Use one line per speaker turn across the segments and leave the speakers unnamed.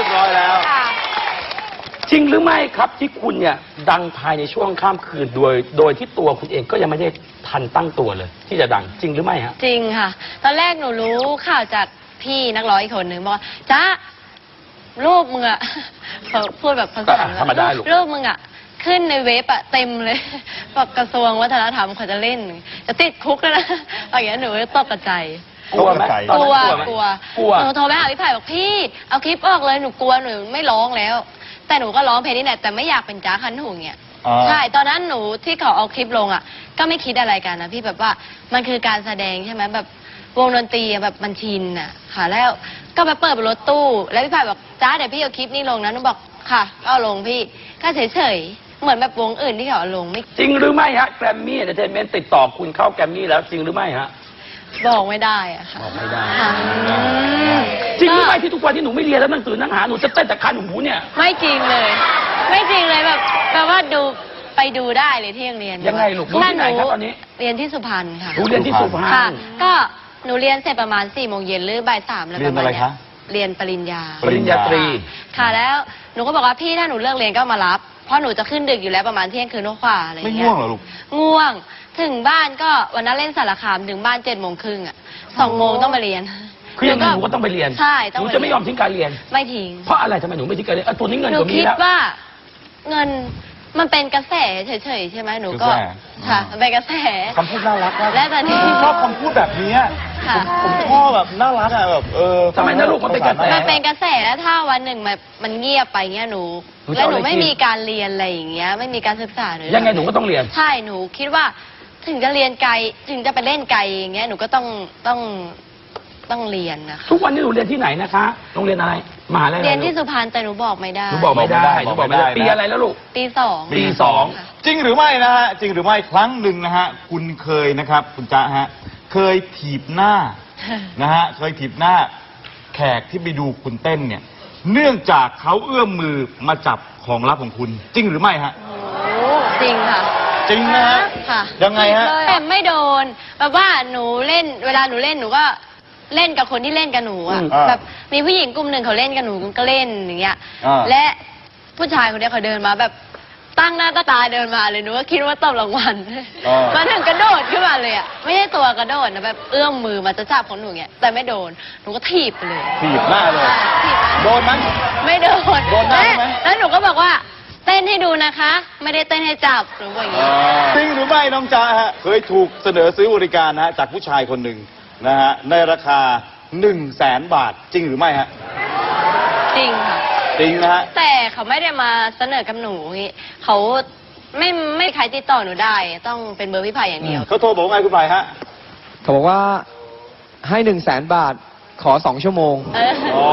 บร้อยแล้ว
จริงหรือไม่ครับที่คุณเนี่ยดังภายในช่วงข้ามคืนโดยที่ตัวคุณเองก็ยังไม่ได้ทันตั้งตัวเลย ที่จะดังจริงหรือไม่ฮะ
จริงค่ะตอนแรกหนูรู้ข่าวจากพี่นักร้องอีกคนหนึ่งบอกว่าจ้ารูปมึงอะพูดแบบภาษา
ธรรมดา
รูปมึงอะขึ้นในเว็บอะเต็มเลยแบบกระทรวงวัฒนธรรมเขาจะเล่นจะติดคุกแล้วนะอย่างเงี้ยหนูตกใจ
กลัวไหม
กลัวหนูโทรไปหาพี่ไผ่บอกพี่เอาคลิปออกเลยหนูกลัวหนูไม่ร้องแล้วแต่หนูก็ร้องเพลงนี้แหละแต่ไม่อยากเป็นจ้าคันหูเงี้ยใช่ตอนนั้นหนูที่เขาเอาคลิปลงอ่ะก็ไม่คิดอะไรกันนะพี่แบบว่ามันคือการแสดงใช่ไหมแบบวงดนตรีแบบมันชินอ่ะค่ะแล้วก็ไปเปิดรถตู้แล้วพี่ไผ่บอกจ้าเดี๋ยวพี่เอาคลิปนี้ลงนะหนูบอกค่ะก็เอาลงพี่ก็เฉยๆเหมือนแบบวงอื่นที่เขาเอาลงไม่
จริงหรือไม่ฮะแกรมมี่เอนเตอร์เทนเมนต์ติดต่อคุณเข้าแกรมมี่แล้วจริงหรือไม่ฮะ
บอกไม่ได้อะค่ะ
บอกไม่ได้จริงหรือไม่ที่ทุกวันที่หนูไม่เรียนแล้วหนังสือหนังหาหนูจะเต้นแต่คันหูเนี่ย
ไม่จริงเลยไม่จริงเลยแบบว่าดูไปดูได้เลยที่ยังเรียน
ยังไงลูกดูที่ไหนครับตอนนี้
เรียนที่สุพรรณค่ะ
หนูเรียนที่สุพรรณ
ค่ะก็หนูเรียนเสร็จประมาณ4 โมงเย็นหรือบ่าย 3แล้วประมาณนี้เรียนปริญญา
ตรี
ค่ะแล้วหนูก็บอกว่าพี่ถ้าหนูเลิกเรียนก็มารับเพราะหนูจะขึ้นดึกอยู่แล้วประมาณเที่ยงคืนกว่าอะไรอย่างเงี้ย
ไม่ง่วงเหรอลูก
ง่วงถึงบ้านก็วันนั้นเล่นสารคามถึงบ้าน7:30อ่ะ2 โมงต้องมาเรียน
คือยังไงหนูก็ต้องไปเรียน
ใช่
หนูจะไม่ยอมทิ้งการเรียน
ไม่ทิ้ง
เพราะอะไรทำไมหนูไม่ทิ้งการเรียนตัวนี้เงิน
ก็มีแล้วหนูคิดว่าเงินมันเป็นกระแสเฉยๆใช่ไหมหนูก็ค่ะมันเป็นกระแส
คำพูดน่ารัก
และตอนนี้
ชอบคำพูดแบบนี้ผมชอบแบบน่ารักอะแบบ
ทำไมนะลูกมันเป็นกระแส
มันเป็นกระแสแล้วถ้าวันหนึ่งมันเงียบไปเงี้ยหนูแล้วหนูไม่มีการเรียนอะไรอย่างเงี้ยไม่มีการศึกษาเลย
ยังไงหนูก็ต้องเรียน
ใช่หนูคิดว่าถึงจะเรียนไกลถึงจะไปเล่นไกลอย่างเงี้ยหนูก็ต้องเรียนนะคะ
ทุกวันนี้หนูเรียนที่ไหนนะคะโรงเรียนอะไรมหาลัย
เรียนที่สุพรรณแต่หนูบอกไม่ได้
หนูบอกไม่ได้ปีอะไรแล้วลูก
ปี 2
ปี 2
จริงหรือไม่นะฮะจริงหรือไม่ครั้งหนึ่งนะฮะคุณเคยนะครับคุณจ๊ะฮะเคยถีบหน้านะฮะเคยถีบหน้าแขกที่ไปดูคุณเต้นเนี่ยเนื่องจากเขาเอื้อมมือมาจับของลับของคุณจริงหรือไม่ฮะ
จริงค่ะ
จริงนะฮะยังไงฮะ
แต่ไม่โดนแบบว่าหนูเล่นเวลาหนูเล่นหนูก็เล่นกับคนที่เล่นกับหนูอ่ะแบบมีผู้หญิงกลุ่มหนึ่งเขาเล่นกับหนูก็เล่นอย่างเงี้ยและผู้ชายคนนี้เขาเดินมาแบบตั้งหน้าตาเดินมาเลยหนูก็คิดว่าตบรางวัลมาถึงกระโดดขึ้นมาเลยอ่ะไม่ใช่ตัวกระโดดนะแบบเอื้อมมือมาจะจับของหนูเงี้ยแต่ไม่โดนหนูก็ถีบไปเลย
ถีบหน้าเลยโดนมั้ย
ไม่โดน
โดนหน้าไหม
แล้วหนูก็บอกว่าเต้นให้ดูนะคะไม่ได้เต้นให้จับหนูบอกอย่างนี้
จริงหรือไม่น้องจ๊ะฮะเคยถูกเสนอซื้อบริการนะฮะจากผู้ชายคนหนึ่งนะฮะในราคา100,000 บาทจริงหรือไม่ฮะ
จริงค่ะ
จริงนะฮะ
แต่เขาไม่ได้มาเสนอกับหนูเขาไม่ใครติดต่อหนูได้ต้องเป็นเบอร์พี่ไผ่อย่างเดียว
เขาโทรบอกไงคุณไผ่ฮะ
เขาบอกว่าให้100,000 บาทขอ2 ชั่วโมง
อ๋อ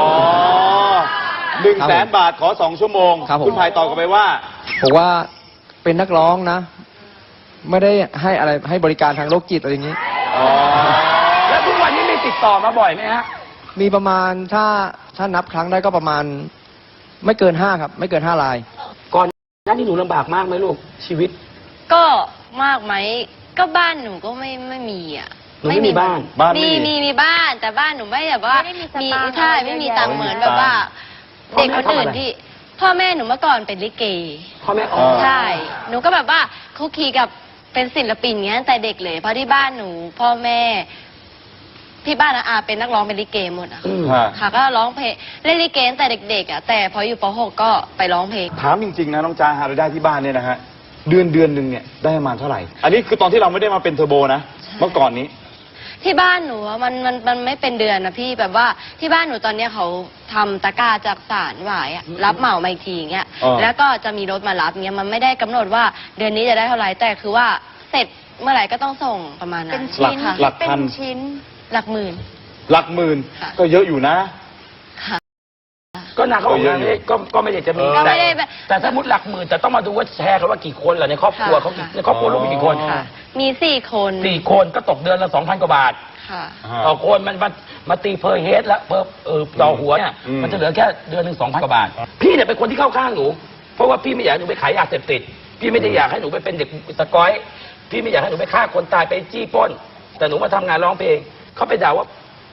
100,000 บาทขอ2 ชั่วโมงคุณไผ่ตอบกลับไปว่า
บอกว่าเป็นนักร้องนะไม่ได้ให้อะไรให้บริการทางโรคจิตอะไรอย่างนี้
แล้วทุกวันนี้มีติดต่อมาบ่อยไหมฮะ
มีประมาณถ้านับครั้งได้ก็ประมาณไม่เกิน5ครับไม่เกิน5 ราย
ก่อนหน้านี้หนูลำบากมากไหมลูกชีวิต
ก็มากไหมก็บ้านหนูก็ไม่มีอ่ะ
ไม่มีบ้าน
มีบ้านแต่บ้านหนูไม่แบบว่ามีใช่ไม่มีตังค์เหมือนแบบว่าเด็กคนอื่นที่พ่อแม่หนูเมื่อก่อนเป็นลิเก
พ่อแม่
ใช่หนูก็แบบว่าคุกคีกับเป็นศิลปินเงี้ยแต่เด็กเลยเพราะที่บ้านหนูพ่อแม่ที่บ้านอาเป็นนักร้องเป็นลิเกหมดอะค่ะก็ร้องเพลงเล่นลิเกตั้งแต่เด็กๆอะแต่พออยู่ป .6 ก็ไปร้องเพลง
ถามจริงๆนะน้องจ้าหารายได้ที่บ้านเนี่ยนะฮะเดือนหนึ่งเนี่ยได้ประมาณเท่าไหร่อันนี้คือตอนที่เราไม่ได้มาเป็นเทอร์โบนะเมื่อก่อนนี้
ที่บ้านหนูมันไม่เป็นเดือนนะพี่แบบว่าที่บ้านหนูตอนเนี้ยเขาทำตะกร้าจากสารหวายรับเหมามาอีกทีเงี้ยแล้วก็จะมีรถมารับเงี้ยมันไม่ได้กำหนดว่าเดือนนี้จะได้เท่าไหร่แต่คือว่าเสร็จเมื่อไหร่ก็ต้องส่งประมาณนั้น
เป็นชิ้นหลักพัน
ชิ้นหลักหมื่น
ก็เยอะอยู่นะ
ก็นาเขาบอกว่าก็ไม่ได้จะมีแต่ถ้ามุดหลักหมื่นแต่ต้องมาดูว่าแชร์กันว่ากี่คนเหรอในครอบครัวเขาในครอบครัวลูกมีกี่คน
มี4 คน
4 คนก็ตกเดือนละ 2,000 กว่าบาทต่อคนมันมาตีเพอร์เฮดแล้วต่อหัวเนี่ยมันจะเหลือแค่เดือนหนึ่ง 2,000 กว่าบาทพี่เนี่ยเป็นคนที่เข้าข้างหนูเพราะว่าพี่ไม่อยากให้หนูไปขายยาเสพติดพี่ไม่ได้อยากให้หนูไปเป็นเด็กตะก้อยพี่ไม่อยากให้หนูไปฆ่าคนตายไปจี้ปล้นแต่หนูมาทำงานร้องเพลงเขาไปด่าว่า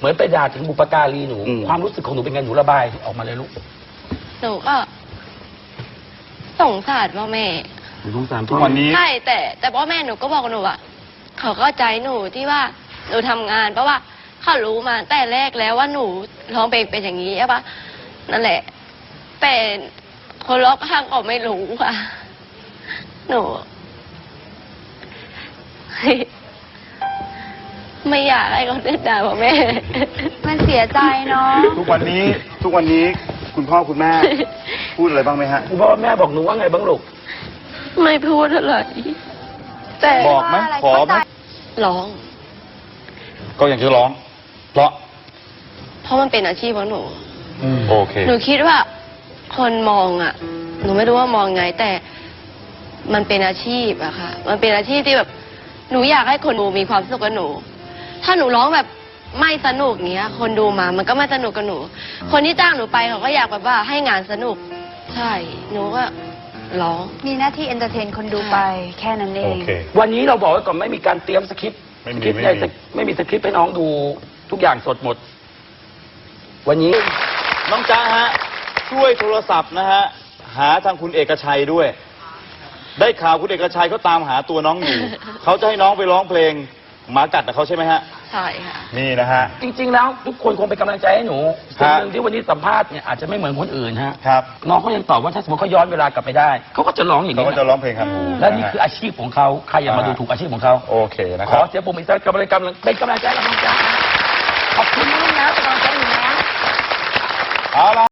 เหมือนไปด่าถึงบุปการีหนู
อืม
ความรู้สึกของหนูเป็นไงหนูระบายออกมาเลยลูก
หนูก็สงสารพ่อแม่
หนูสงสาร
ทุกวันนี้
ใช่แต่พ่อแม่หนูก็บอกหนูอ่ะเขาเข้าใจหนูที่ว่าหนูทำงานเพราะว่าเขารู้มาแต่แรกแล้วว่าหนูร้องเพลงเป็นอย่างนี้ใช่ปะนั่นแหละแต่คนรอบข้างก็ไม่รู้ค่ะ หนู ไม่อยากให้เขาเดินด่าพ่อแม่
มันเสียใจเนาะ
ทุกวันนี้คุณพ่อคุณแม่ พูดอะไรบ้างไหมฮะ
คุณพ่อแม่บอกหนูว่าไงบ้างลูก
ไม่พูดอะไรแต่
บอกไหมขอไหม
ร้อง
ก็อย่างที่ร้อง เพราะ
เพราะมันเป็นอาชีพของหนู
โอเค
หนูคิดว่าคนมองอ่ะ หนูไม่รู้ว่ามองไง แต่มันเป็นอาชีพอะค่ะ มันเป็นอาชีพที่แบบ หนูอยากให้คนดูมีความสุขกับหนู ถ้าหนูร้องแบบไม่สนุกเงี้ย คนดูมา มันก็ไม่สนุกกับหนู คนที่จ้างหนูไปเขาก็อยากแบบว่าให้งานสนุก ใช่ หนูก็ร้อง
มีหน้าที่เอนเตอร์เทนคนดูไปแค่นั้นเอง
วันนี้เราบอกไว้ก่อนไม่มีการเตรียมสคริปต์
ไม่มี
สคริปต์
ไม่มี
ไม่มีสคริปต์ให้น้องดูทุกอย่างสดหมด วันนี้
น้องจ๊ะฮะ ช่วยโทรศัพท์นะฮะ หาทางคุณเอกชัยด้วย ได้ข่าวคุณเอกชัยเขาตามหาตัวน้องอยู่ เขาจะให้น้องไปร้องเพลงหมากัดกับเขาใช่ไหมฮะ
ใช่ค่ะ
นี่นะฮะ
จริง ๆ แล้วทุกคนคงเป็นกำลังใจให้หนู
ค
สิ่
รั
ง
บ
หนึ่งที่วันนี้สัมภาษณ์เนี่ยอาจจะไม่เหมือนคนอื่นฮะ
ครับ
น้องเขายังตอบว่าถ้าสมมติเขาย้อนเวลากลับไปได้เขาก็จะร้องอย่าง
เขา
นี้
ก็จะร้องเพลงครับ
และนี่คืออาชีพของเขาใครอย่ามาดูถูกอาชีพของเขา
โอเคนะ
ข
ครั
อบ เสียงปรบมืออีกสักกำลังเป็นกำลังใจกับน้องจ๊ะขอบคุณน้องนะเป็นกำลังใจหนูนะ
เอาละ